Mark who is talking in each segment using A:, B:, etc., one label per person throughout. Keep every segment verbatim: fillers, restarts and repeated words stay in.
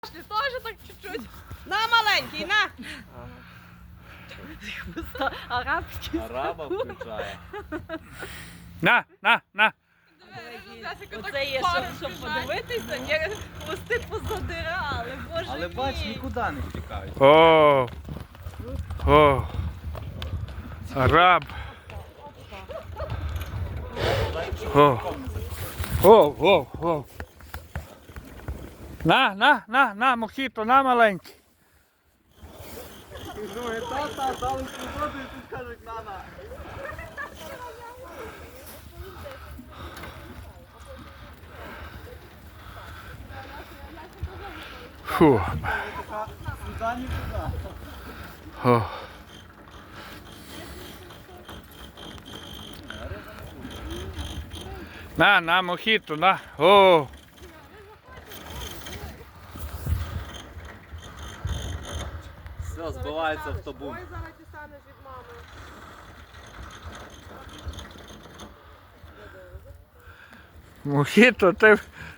A: Тоже так чуть-чуть. На, маленький, на. Арабський.
B: Араба включає.
C: На, на, на.
A: Оце є, щоб, щоб подивитися, є хвости позадирали, боже
B: Але
A: мій.
B: бач, нікуди не втікають.
C: О, о, араб. О, о, о, о. На, на, на, на, мохіто, на, маленький.
B: Думаю, та-та, дали свободу і тут кажуть, на-на.
C: Фу.
B: Сюди, нікуди.
C: О. На, на, мохіто, на. О.
B: Все, збивається автобус.
A: Ой, зараз ти станеш від мами.
C: Мохіто, ти...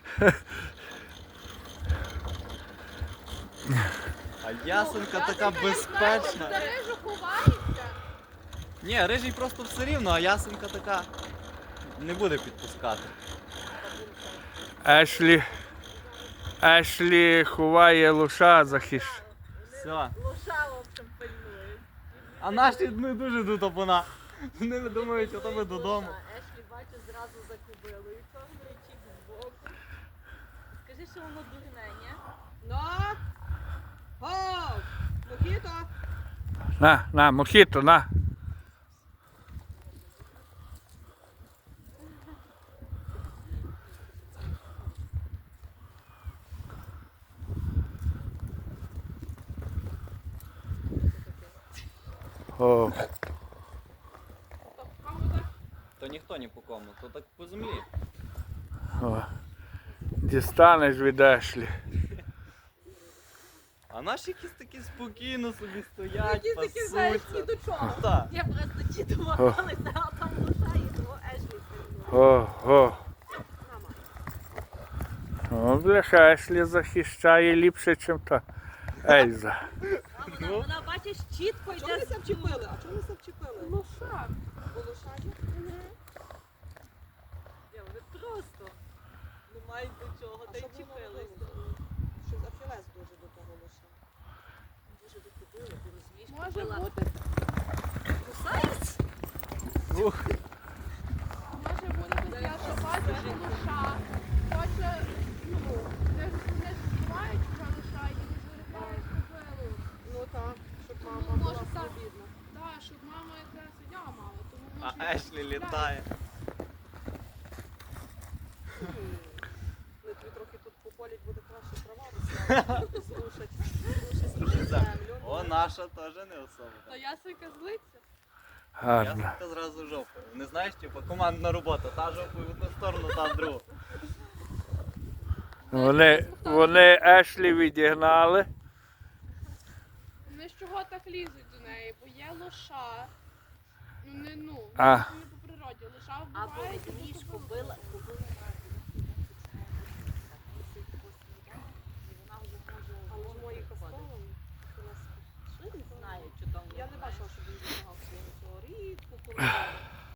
B: А ясенка така безпечна.
A: За рижу ховається.
B: Ні, рижий просто все рівно, а ясенка така не буде підпускати.
C: Ешлі... Ешлі ховає лоша захищ.
B: Все.
A: Лоша, в общем, пильнує.
B: А наші не дуже тут вона. Вони думають, що то ми додому.
A: Ешлі, бачу, зразу за кобилою. Чорний чік збоку. Скажи, що воно дурне, ні? Ну? О! Мохіто!
C: На, на, мохіто, на. О.
B: То ніхто ні по кому, то так по землі.
C: О. Дістанеш від Ешлі.
B: А наші якісь такі спокійно собі стоять,
A: Якісь такі, знаєш, ні
B: пасуться.
A: до чого.
B: Так.
A: Я просто ті домагалися, а там лоша і того Ешлі пильнує.
C: О, о.
A: Мама.
C: О, бляха, Ешлі захищає ліпше, ніж та Ельза.
A: А вона, вона, бачиш, чітко йде.
D: Чого ви вчепили? А чого ви вчепили?
A: Лоша.
D: Бо лошаді?
A: Я, ви просто не мають до чого, та й
D: що ви
A: чіпилися.
D: робили? Що за філес дуже до того лоша?
A: Дуже до кобили, ти розумієш,
E: Може
A: кобила
E: бути,
A: кусається.
B: Ух.
E: може бути таке, що бачиш лоша, хоче, ну, не ж не ж вбивають цього лоша і не виривають кобилу.
D: Ну так, щоб мама
E: Ну,
D: була
E: може, так.
D: свобідна.
E: Так, щоб мама якраз я мала, тому
B: А
E: може...
B: Ешлі літає.
D: Вони тобі трохи тут пополять, буде краще трава росла. Зрушать. Зрушать собі землю.
B: О, наша теж не особа.
E: То ясенька злиться.
C: Гарно.
B: Ясенка зразу жопою. Не знаєш, типу, командна робота. Та жопою в одну сторону, та в другу.
C: Вони, вони Ешлі відігнали.
E: Вони з чого так лізуть до неї, бо є лоша. Ну не ну,
C: А.
E: це не по природі. Лоша
A: Або
E: вбивається,
A: розумієш,
E: бо кобила.
A: кобила, кобила
D: А може мої кастовами?
A: Що не знаю, що там.
D: Я не бачила, щоб він допомагав своєму цього рідку, коли